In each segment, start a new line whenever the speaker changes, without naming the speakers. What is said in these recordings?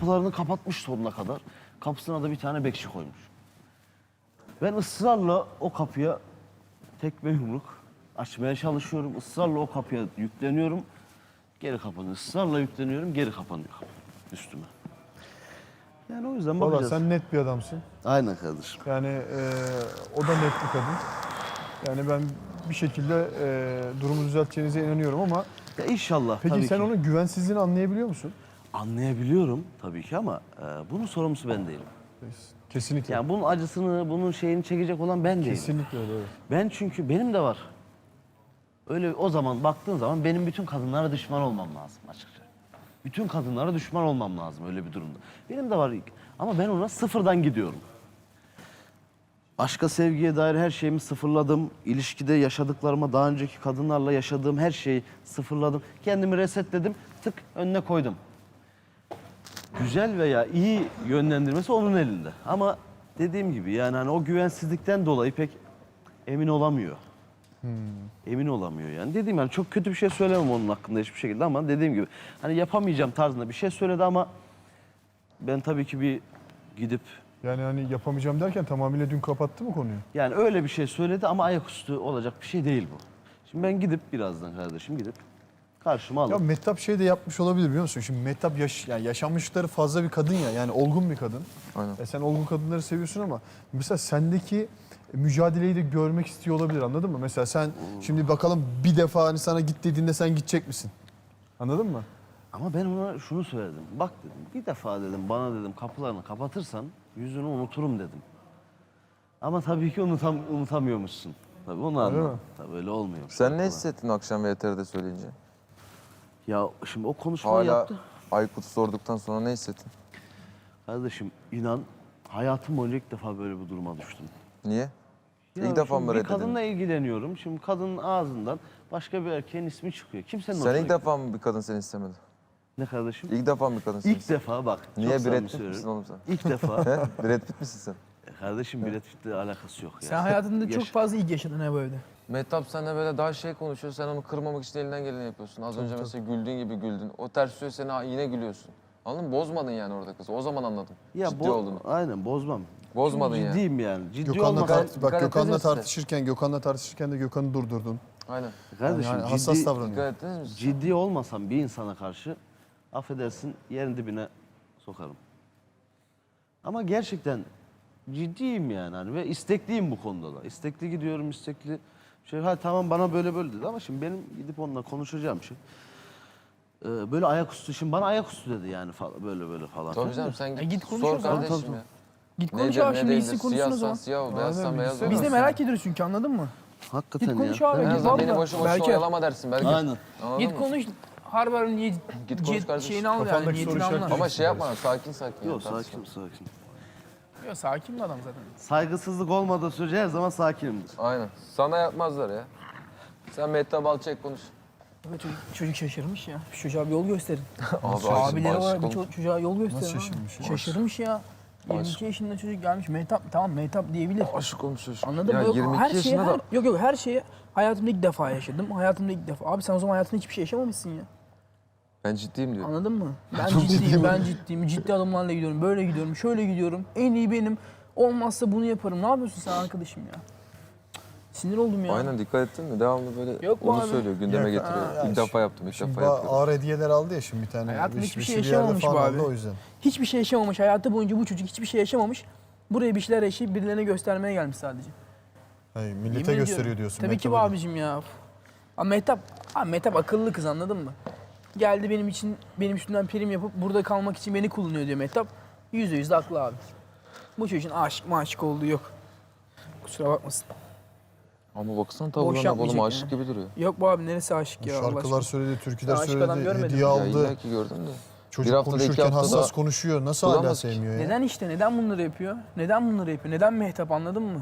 kapılarını kapatmış sonuna kadar. Kapısına da bir tane bekçi koymuş. Ben ısrarla o kapıya tekme yumruk açmaya çalışıyorum. Israrla o kapıya yükleniyorum. Geri kapanıyor. Israrla yükleniyorum. Geri kapanıyor kapı üstüme. Yani o yüzden
Valla
bakacağız.
sen net bir adamsın.
Aynen kardeşim.
Yani o da net bir kadın. Yani ben bir şekilde durumu düzelteceğinize inanıyorum ama
Ya inşallah
peki
tabii
sen
ki.
onun güvensizliğini anlayabiliyor musun?
Anlayabiliyorum tabii ki ama bunun sorumlusu ben değilim.
Kesinlikle.
Yani bunun acısını, bunun şeyini çekecek olan ben değilim.
Kesinlikle öyle. Evet.
Ben çünkü benim de var. Öyle o zaman baktığın zaman benim bütün kadınlara düşman olmam lazım açıkça. Bütün kadınlara düşman olmam lazım öyle bir durumda. Benim de var ama ben ona sıfırdan gidiyorum. Aşka, sevgiye dair her şeyimi sıfırladım. İlişkide yaşadıklarıma, daha önceki kadınlarla yaşadığım her şeyi sıfırladım. Kendimi resetledim, tık önüne koydum. Güzel veya iyi yönlendirmesi onun elinde. Ama dediğim gibi yani hani o güvensizlikten dolayı pek emin olamıyor. Emin olamıyor yani. Dediğim yani çok kötü bir şey söylemem onun hakkında hiçbir şekilde ama dediğim gibi hani yapamayacağım tarzında bir şey söyledi ama ben tabii ki bir gidip
Yani hani yapamayacağım derken tamamıyla dün kapattı mı konuyu?
yani öyle bir şey söyledi ama ayaküstü olacak bir şey değil bu. Şimdi ben gidip birazdan kardeşim gidip karşıma
Ya
alıp
Mehtap şey de yapmış olabilir biliyor musun? Şimdi Mehtap yani yaşanmışlıkları fazla bir kadın ya. Yani olgun bir kadın.
Aynen.
Sen olgun kadınları seviyorsun ama mesela sendeki mücadeleyi de görmek istiyor olabilir, anladın mı? Mesela sen şimdi bakalım bir defa hani sana git dediğinde sen gidecek misin? Anladın mı?
ama ben ona şunu söyledim. Bak dedim bir defa dedim bana dedim kapılarını kapatırsan yüzünü unuturum dedim. Ama tabii ki unutamıyormuşsun. Tabii onu
Öyle
anladım.
mi?
Tabii öyle olmuyor.
Sen ne hissettin akşam VTR'de söyleyince?
Ya şimdi o konuşmayı
Hala
yaptı.
Aykut sorduktan sonra ne hissettin?
Kardeşim inan hayatım boyunca ilk defa böyle bir duruma düştüm.
Niye?
Ya
İlk defa
şimdi
mı
bir
reddedin?
kadınla ilgileniyorum. Şimdi kadının ağzından başka bir erkeğin ismi çıkıyor. Kimsenin
Sen
hoşuna
ilk
gitmiyor.
defa mı bir kadın seni istemedi?
Ne kardeşim?
İlk defa mı bir kadın seni
İlk
istemedi?
defa bak.
Niye
çok
Brad
samimi
Pitt
söylüyorum.
misin oğlum sen?
İlk defa.
He? Brad Pitt misin sen?
Kardeşim Brad Pitt'le alakası yok ya.
Sen hayatında çok
Yaş-
fazla ilgi yaşadın ha bu evde.
Mehtap seninle böyle daha şey konuşuyor, sen onu kırmamak için elinden geleni yapıyorsun. Az önce mesela güldüğün gibi güldün. O ters söylüyor, sen yine gülüyorsun. Anladın mı? Bozmadın yani orada kızı. O zaman anladım. Ciddi olduğunu.
Aynen bozmam.
Bozmadın
Çünkü
yani.
ciddiyim yani. Ciddi
Gökhan'la
olmasam.
dikkat
bak Gökhan'la
ettiniz mi?
tartışırken de Gökhan'ı durdurdun.
Aynen.
Kardeşim
Yani hassas
ciddi,
davranıyor.
Dikkat ettiniz mi?
ciddi olmasam bir insana karşı affedersin yerin dibine sokarım. Ama gerçekten ciddiyim yani hani ve istekliyim bu konuda da. İstekli gidiyorum, istekli. Ha tamam bana böyle böyle dedi ama şimdi benim gidip onunla konuşacağım şey. Böyle ayaküstü şimdi bana ayaküstü dedi yani falan böyle böyle falan.
Tabii canım sen
git konuş
sor
o zaman.
kardeşim
Tabii,
ya.
Git konuş
Nedir,
abi
ne
şimdi
değildir?
gitsin konuşsun o
Siyahsan
zaman.
siyah ol, beyazsan
Aynen,
beyaz
bilgisayar
ol.
Biz de
Nasıl
merak ediyoruz çünkü, anladın mı?
Hakikaten
Git konuş
ya.
abi.
En
Git
azından beni
valla.
boşu boşuna
Belki-
oyalama dersin belki.
Aynen.
Anladın
Git
mı?
konuş. Harbar
Git konuş kardeşim.
şeyini al yani,
Kafandaki soru
niyetini
işareti-
anla.
Ama şey yapma, sakin sakin.
Yok
yani,
sakin sakin.
Yok, sakin bir adam zaten.
Saygısızlık olmadığı sürece her zaman sakinimdir.
Aynen. Sana yapmazlar ya. Sen Mehtap al çek konuş.
Evet, çocuk şaşırmış ya. Şu çocuğa bir yol gösterin.
Abi
Abileri olarak bir
olmuş.
çocuğa yol gösterin.
Nasıl
abi.
şaşırmış ya?
Şaşırmış ya. 22 yaşında çocuk gelmiş. Mehtap, tamam Mehtap diyebilir.
Aşık olmuş çocuk.
Anladın
Ya
mı? Yok,
22
her şeyi,
yaşında da
yok her şeyi hayatımda ilk defa yaşadım. Hayatımda ilk defa. Abi sen o zaman hayatında hiçbir şey yaşamamışsın ya.
ben ciddiyim diyor.
Anladın mı? Ben ciddiyim, ben ciddiyim. Ciddi adımlarla gidiyorum. Böyle gidiyorum, şöyle gidiyorum. En iyi benim. Olmazsa bunu yaparım. Ne yapıyorsun sen arkadaşım ya? Sinir oldum ya.
Aynen dikkat ettin mi? Devamlı böyle
Yok bu
onu
abi.
söylüyor, gündeme
Yok,
getiriyor.
ya
İlk defa yaptım, ilk
Şimdi
defa yapıyorum.
ağır hediyeler aldı ya şimdi bir tane.
Hayatında hiçbir şey
bir yerde
yaşamamış
falan
bu
aldı
abi.
o yüzden.
Hiçbir şey yaşamamış. Hayatı boyunca bu çocuk hiçbir şey yaşamamış. Buraya bir şeyler yaşayıp birilerine göstermeye gelmiş sadece.
Hayır,
Yemin
millete gösteriyor
ediyorum.
diyorsun.
Tabii ki bu
Mehtap'a.
abicim ya. Abi Mehtap akıllı kız, anladın mı? Geldi benim üstümden prim yapıp burada kalmak için beni kullanıyor diyor Mehtap. %100 de haklı abi. Bu çocuğun aşık olduğu yok. Kusura bakmasın.
Ama baksana
Boş
tavırlarına
yapmayacak
oğlum aşık
yani.
gibi duruyor.
Yok bu abi, neresi aşık ya Allah
Şarkılar
aşkına.
söyledi, türküler
Ben aşık adam
söyledi,
görmedim.
hediye
Ya
aldı.
illa ki gördüm de.
Çocuk
Bir haftada, iki
konuşurken
haftada
hassas konuşuyor. Nasıl hala
bulamaz ki.
sevmiyor ya?
Neden işte, neden bunları yapıyor? Neden bunları yapıyor? Neden Mehtap, anladın mı?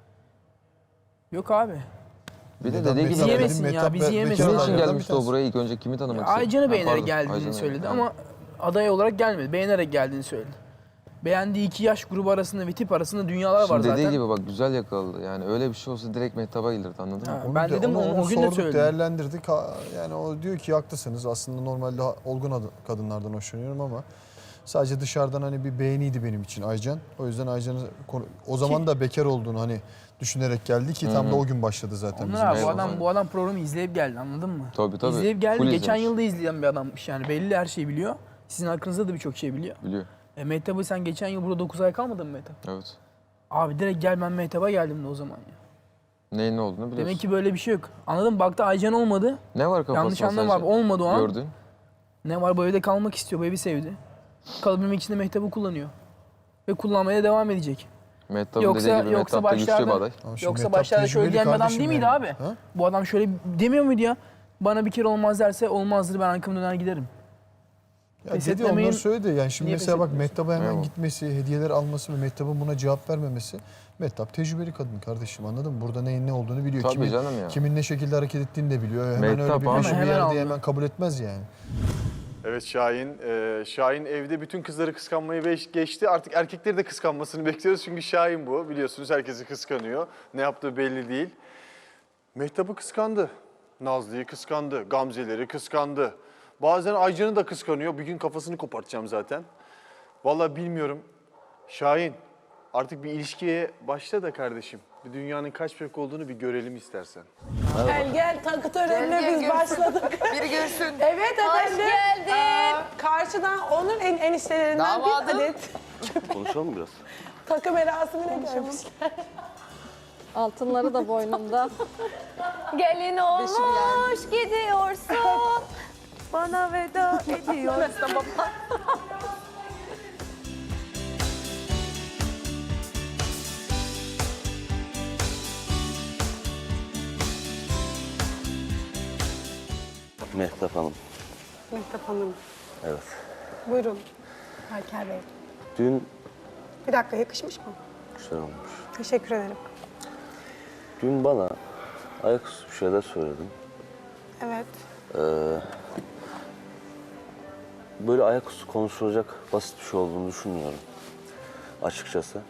Yok abi.
Bir de
Neden
dediği gibi
Bizi
Mehtap
yemesin
dedim,
ya,
Mehtap
bizi
be-
yemesin.
bekar
kimin için
adaylardan bir
gelmişti o
tanesi.
buraya? İlk önce kimi tanımak istedi?
Aycan'ı
Ha,
beğenerek
pardon,
geldiğini
Aycan'ı,
söyledi
yani.
ama aday olarak gelmedi. Beğenerek geldiğini söyledi. Beğendiği iki yaş grubu arasında ve tip arasında dünyalar var
Şimdi
zaten.
dediği gibi bak güzel yakaladı. Yani öyle bir şey olsa direkt Mehtap'a gelirdi, anladın mı?
Ha,
Onu
ben
de-
dedim
onu
o gün de
sorduk,
söyledim.
değerlendirdik. Yani o diyor ki haklısınız. Aslında normalde olgun kadınlardan hoşlanıyorum ama Sadece dışarıdan hani bir beğeniydi benim için Aycan. O yüzden Aycan'ı o zaman da bekar olduğunu hani düşünerek geldi ki tam da o gün başladı zaten bizim.
Onlar abi,
Eyvallah.
bu adam programı izleyip geldi, anladın mı?
Tabii, tabii.
İzleyip geldi.
Full
Geçen
izlemiş.
yıl da izleyen bir adammış yani. Belli, her şeyi biliyor. Sizin hakkınızda da birçok şey biliyor.
Biliyor.
Mehtap'ı sen geçen yıl burada 9 ay kalmadın mı Mehtap?
Evet.
Abi direkt gel, ben Mehtap'a geldim de o zaman ya.
Neyin ne olduğunu biliyorsun.
Demek ki böyle bir şey yok. Anladın mı? Baktı Aycan olmadı.
Ne var kafasında
Yanlış anlama abi,
sadece?
olmadı o an.
Gördün.
Ne var, bu evde kalmak istiyor, bu evi sevdi. Kalabilmek için de Mehtap'ı kullanıyor. Ve kullanmaya devam edecek.
Mehtap'ın
Yoksa-
dediği gibi
yoksa
Mehtap da güçlü bir
başlarda-
aday.
Ama şimdi
Yoksa
Mehtap
başlarda şöyle
tecrübeli
diyen bir adam
kardeşim
değil miydi
yani.
abi?
Ha?
Bu adam şöyle demiyor muydu ya? Bana bir kere olmaz derse olmazdır, ben arkamı döner giderim.
Ya
Pes
dedi
etmemeyin.
onlar söyledi. Yani şimdi
Niye
mesela
pes
bak
etmiyorsun?
Mehtap'a hemen
Eyvallah.
gitmesi, hediyeler alması ve Mehtap'ın buna cevap vermemesi. Mehtap tecrübeli kadın kardeşim, anladın mı? Burada neyin ne olduğunu biliyor.
Tabii canım ya.
Kimin ne şekilde hareket ettiğini de biliyor. Hemen
Mehtap
öyle bir
abi.
peşin bir
Hemen
yerde
aldı.
hemen kabul etmez yani.
Evet Şahin. Şahin evde bütün kızları kıskanmayı geçti. Artık erkekleri de kıskanmasını bekliyoruz. Çünkü Şahin bu. Biliyorsunuz herkesi kıskanıyor. Ne yaptığı belli değil. Mehtap'ı kıskandı. Nazlı'yı kıskandı. Gamze'leri kıskandı. Bazen Aycan'ı da kıskanıyor. Bir gün kafasını kopartacağım zaten. Vallahi bilmiyorum. Şahin artık bir ilişkiye başla da kardeşim. Bir dünyanın kaç bebek olduğunu bir görelim istersen.
Gel takı törenine biz başladık.
Biri görsün.
Evet
Hoş
efendim.
geldin.
Karşıdan onun eniştelerinden
Damadım.
bir adet
Konuşalım biraz.
takı merasimine gelmişler.
Altınları da boynumda.
Gelin olmuş gidiyorsun. Bana veda ediyorsun.
Mehtap Hanım.
Mehtap Hanım.
Evet.
Buyurun. Berker Bey.
Dün
Bir dakika, yakışmış mı?
güzel olmuş.
Teşekkür ederim.
Dün bana ayaküstü bir şeyler söyledin.
Evet.
Böyle ayaküstü konuşulacak basit bir şey olduğunu düşünmüyorum. Açıkçası.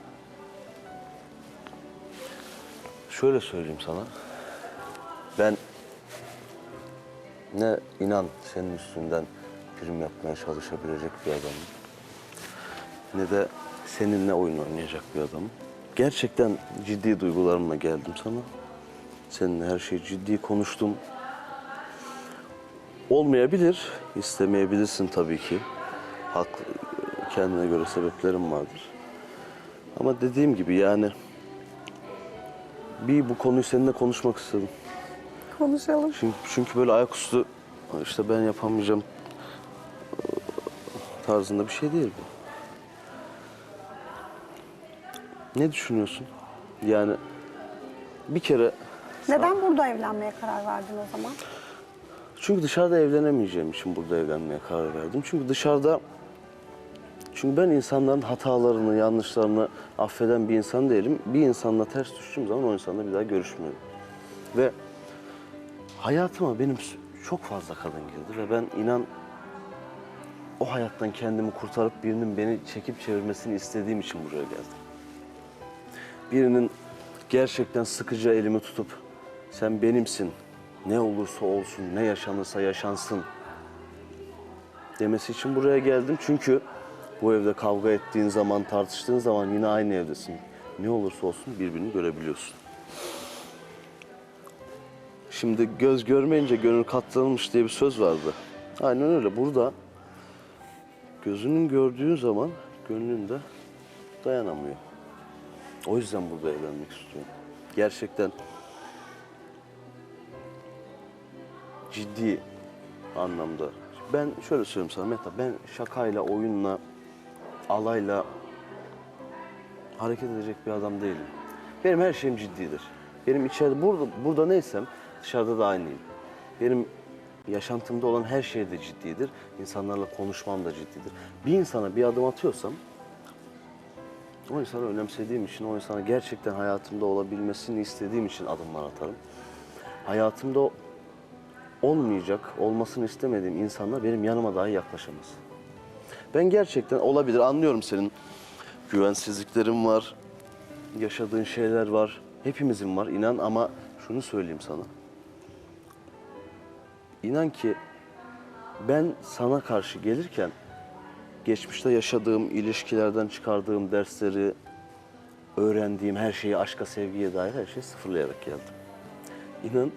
Şöyle söyleyeyim sana. Ben ne inan senin üstünden prim yapmaya çalışabilecek bir adamım. Ne de seninle oyun oynayacak bir adamım. Gerçekten ciddi duygularımla geldim sana. Seninle her şeyi ciddi konuştum. Olmayabilir, istemeyebilirsin tabii ki. Haklı, kendine göre sebeplerim vardır. Ama dediğim gibi yani bu konuyu seninle konuşmak istedim.
Konuşalım.
Çünkü böyle ayaküstü işte ben yapamayacağım tarzında bir şey değil bu. Ne düşünüyorsun? Yani bir kere
Neden burada evlenmeye karar verdin o zaman?
çünkü dışarıda evlenemeyeceğim için burada evlenmeye karar verdim. Çünkü ben insanların hatalarını, yanlışlarını affeden bir insan değilim. Bir insanla ters düştüğüm zaman o insanla bir daha görüşmüyorum. Ve hayatıma benim çok fazla kadın girdi ve ben inan o hayattan kendimi kurtarıp birinin beni çekip çevirmesini istediğim için buraya geldim. Birinin gerçekten sıkıca elimi tutup sen benimsin, ne olursa olsun, ne yaşanırsa yaşansın demesi için buraya geldim. Çünkü bu evde kavga ettiğin zaman, tartıştığın zaman yine aynı evdesin. Ne olursa olsun birbirini görebiliyorsun. Şimdi göz görmeyince gönül katlanılmış diye bir söz vardı. Aynen öyle. Burada gözünün gördüğü zaman gönlün de dayanamıyor. O yüzden burada evlenmek istiyorum. Gerçekten ciddi anlamda. Ben şöyle söyleyeyim sana Mehtap, ben şakayla, oyunla, alayla hareket edecek bir adam değilim. Benim her şeyim ciddidir. Benim içeride, burada neysem dışarıda da aynıyım. Benim yaşantımda olan her şey de ciddidir. İnsanlarla konuşmam da ciddidir. Bir insana bir adım atıyorsam, o insanı önemsediğim için, o insana gerçekten hayatımda olabilmesini istediğim için adımlar atarım. Hayatımda olmayacak, olmasını istemediğim insanlar benim yanıma dahi yaklaşamaz. Ben gerçekten olabilir, anlıyorum senin güvensizliklerin var, yaşadığın şeyler var. Hepimizin var inan ama şunu söyleyeyim sana. İnan ki ben sana karşı gelirken geçmişte yaşadığım ilişkilerden çıkardığım dersleri, öğrendiğim her şeyi, aşka, sevgiye dair her şeyi sıfırlayarak geldim. İnan,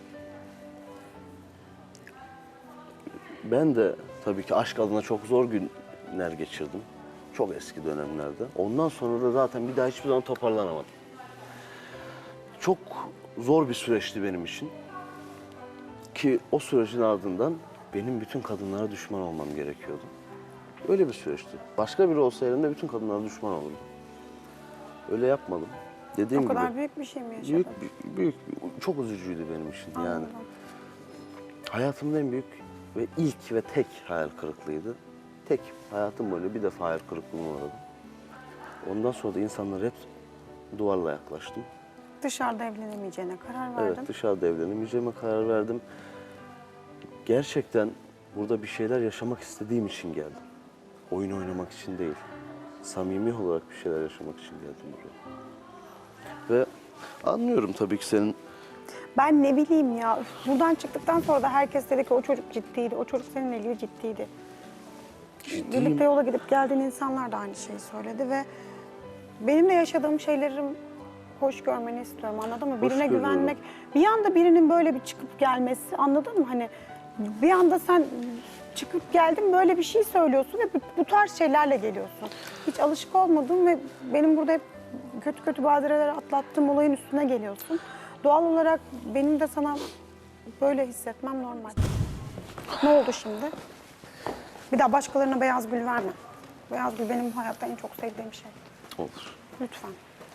ben de tabii ki aşk adına çok zor günler geçirdim. Çok eski dönemlerde. Ondan sonra da zaten bir daha hiçbir zaman toparlanamadım. Çok zor bir süreçti benim için. Ki o sürecin ardından benim bütün kadınlara düşman olmam gerekiyordu. Öyle bir süreçti. Başka biri olsa elimde bütün kadınlara düşman olurdum. Öyle yapmadım. Dediğim
O kadar
gibi
büyük bir şey mi yaşadın?
büyük, çok üzücüydü benim için yani.
Anladım.
Hayatımın en büyük ve ilk ve tek hayal kırıklığıydı. Tek. Hayatım boyunca bir defa hayal kırıklığına uğradım. Ondan sonra da insanlara hep duvarla yaklaştım.
Dışarıda evlenemeyeceğine karar verdin.
Evet, dışarıda evlenemeyeceğime karar verdim. Gerçekten burada bir şeyler yaşamak istediğim için geldim. Oyun oynamak için değil. Samimi olarak bir şeyler yaşamak için geldim buraya. Ve anlıyorum tabii ki senin
Ben ne bileyim ya. Buradan çıktıktan sonra da herkes dedi ki o çocuk ciddiydi. O çocuk seninle ilgili ciddiydi. Birlikte yola gidip geldiğin insanlar da aynı şeyi söyledi ve benim de yaşadığım şeylerim hoş görmeni istiyorum, anladın mı? Birine
görüyorum.
güvenmek, bir anda birinin böyle bir çıkıp gelmesi, anladın mı? Hani bir anda sen çıkıp geldin böyle bir şey söylüyorsun ve bu tarz şeylerle geliyorsun. Hiç alışık olmadığım ve benim burada hep kötü badireler atlattığım olayın üstüne geliyorsun. Doğal olarak benim de sana böyle hissetmem normal. Ne oldu şimdi? Bir daha başkalarına beyaz gül verme. Beyaz gül benim hayatta en çok sevdiğim şey.
olur.
Lütfen.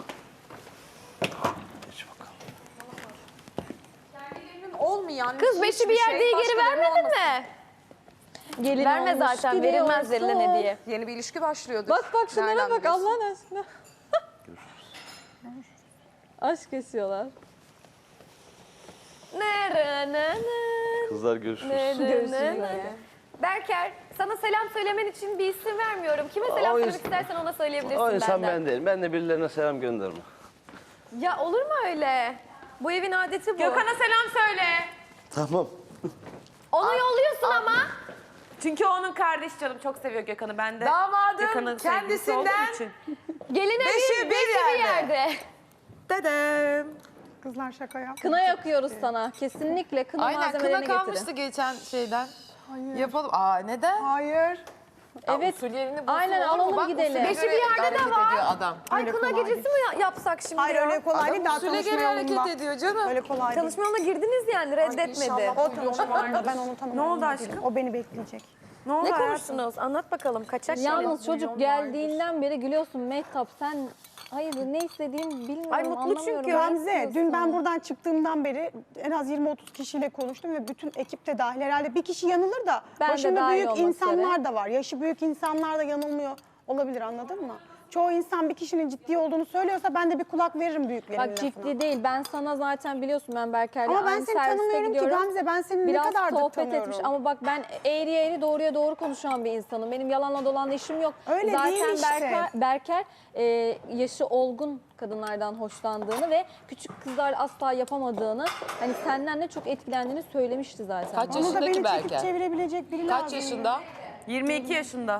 Geç bakalım.
Olmayan
Kız beşi bir yerde geri vermedin mi?
Gelin
Verme
olmuş,
zaten, verilmez
gidiyorsun.
verilene diye.
Yeni bir ilişki başlıyordur.
Bak şunlara
Nereden
bak
biliyorsun?
Allah'ın aşkına. Aşk kesiyorlar.
Kızlar görüşürüz.
Berker, sana selam söylemen için bir isim vermiyorum. Kime selam
O
söylemek
insan-
istersen ona söyleyebilirsin
O insan
benden.
ben değilim. Ben de birilerine selam gönderme.
Ya olur mu öyle? Bu evin adeti bu.
Gökhan'a selam söyle.
Tamam.
Onu yolluyorsun ama.
Çünkü onun kardeşi canım çok seviyor Gökhan'ı. Ben de
Damadın
Gökhan'ın sevgilisi
kendisinden
olduğum için.
Geline
Beşi bir yerde.
Dedem.
Kızlar şaka yap.
Kına yakıyoruz sana. Kesinlikle kına
Aynen
malzemelerini
kına kalmıştı
getirin.
geçen şeyden. Yapalım. Aa neden?
Hayır.
Evet.
Usul yerini bulsun,
Aynen,
olur mu?
alalım
Bak,
gidelim.
usule
Beşi
göre
bir yerde de
hareket
var.
ediyor adam.
Ay kına
kolay
gecesi mi yapsak şimdi
Hayır
ya?
öyle kolay değil. Daha
Usule
tanışma
göre hareket
yolunda.
ediyor canım.
Öyle kolay değil.
Tanışma yoluna girdiniz yani reddetmedi.
O tanışma yolunda. Ben onu tanımıyorum.
Ne oldu aşkım?
O beni bekleyecek.
Ne oldu
Ne
hayatım?
konuştunuz? Anlat bakalım kaçak
Yalnız çocuk geldiğinden beri gülüyorsun Mehtap. Sen hayır ne istediğimi bilmiyorum.
Ay, mutlu
anlamıyorum.
çünkü.
Ne
Gamze, dün
istiyorsun?
ben buradan çıktığımdan beri en az 20-30 kişiyle konuştum ve bütün ekip de dahil. Herhalde bir kişi yanılır da
Ben de
başında
dahil
büyük
olmak
insanlar
üzere.
da var. Yaşı büyük insanlar da yanılmıyor olabilir, anladın mı? Çoğu insan bir kişinin ciddi olduğunu söylüyorsa ben de bir kulak veririm büyüklerimin
Bak
lafına.
ciddi değil. Ben sana zaten biliyorsun ben Berker'le
Ama ben
aynı
seni
serviste
tanımıyorum ki
gidiyorum.
Gamze. Ben seni
Biraz
ne kadardır
sohbet
tanıyorum.
etmiş ama bak ben eğri doğruya doğru konuşan bir insanım. Benim yalanla dolanla işim yok.
Öyle
Zaten
değil işte.
Berker yaşı olgun kadınlardan hoşlandığını ve küçük kızlar asla yapamadığını, hani senden de çok etkilendiğini söylemişti zaten.
Kaç
bana.
Onu da
yaşındaki
beni çekip
Berker?
çevirebilecek biri lazım.
Kaç yaşında?
22 yaşında.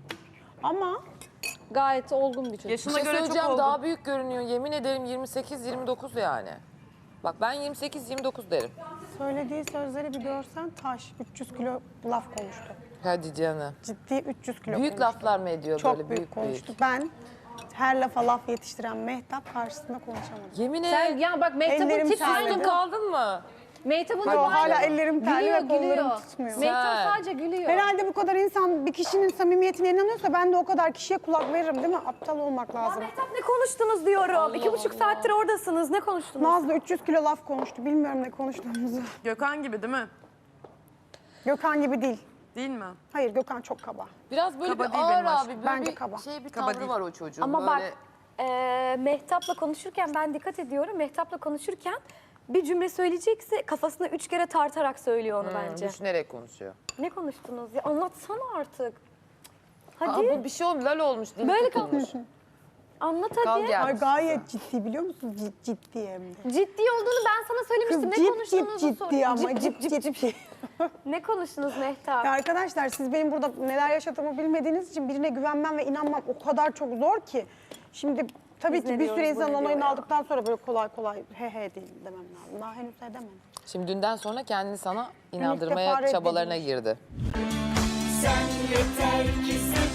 Ama
Gayet olgun bir çocuk.
Yaşına
Bir şey
göre çok
söyleyeceğim
oldu.
daha büyük görünüyor. Yemin ederim 28-29 yani. Bak ben 28-29 derim.
söylediği sözleri bir görsen taş. 300 kilo laf konuştu.
Hadi canım.
Ciddi 300 kilo
Büyük
konuştu.
laflar mı ediyor
Çok
böyle
büyük
büyük
konuştu. Ben her lafa laf yetiştiren Mehtap karşısında konuşamadım.
Yemin
Sen
et.
ya bak Mehtap'ın
Ellerim
tipi
terledi.
Memnun kaldın mı?
Mehtap'ın
Yo, hala ellerim terli ve kollarım tutmuyor.
Mehtap
Sen.
sadece gülüyor.
Herhalde bu kadar insan bir kişinin samimiyetine inanıyorsa ben de o kadar kişiye kulak veririm değil mi? Aptal olmak lazım.
Mehtap ne konuştunuz diyorum. 2,5 saattir oradasınız. Ne konuştunuz?
Nazlı 300 kilo laf konuştu. Bilmiyorum ne konuştuğumuzu.
Gökhan gibi değil mi?
Gökhan gibi değil.
Değil mi?
Hayır, Gökhan çok kaba.
Biraz böyle
Kaba
bir
değil
ağır
benim
abi.
aşkım.
Böyle
Bence
bir
kaba.
şey bir
Kaba
tavrı
değil.
var o çocuğun.
Ama
böyle...
bak Mehtap'la konuşurken ben dikkat ediyorum. Mehtap'la konuşurken bir cümle söyleyecekse kafasına 3 kere tartarak söylüyor onu bence.
Düşünerek konuşuyor.
Ne konuştunuz ya? Anlatsana artık.
Aa,
Hadi
bu bir şey olmuş. Lal olmuş. Dili
Böyle
tutulmuş.
anlat
Kal
hadi.
gel.
Ay gayet ciddi biliyor musun? Ciddi hem de.
Ciddi olduğunu ben sana
Kız
söylemiştim. Ne
cip
konuştuğunuzu
ciddi ama
Cip, cip,
cip.
Ne konuştunuz Mehtap?
Ya arkadaşlar siz benim burada neler yaşadığımı bilmediğiniz için birine güvenmem ve inanmam o kadar çok zor ki. Şimdi tabii
Biz
ki
ne
bir
diyoruz,
süre
bu
insanın
ne
onayını
diyor ya?
aldıktan sonra böyle kolay kolay he değil demem lazım. Daha henüz edemem.
Şimdi dünden sonra kendini sana
defa
inandırmaya
reddedilmiş.
çabalarına girdi.
Sen yeter ki sev.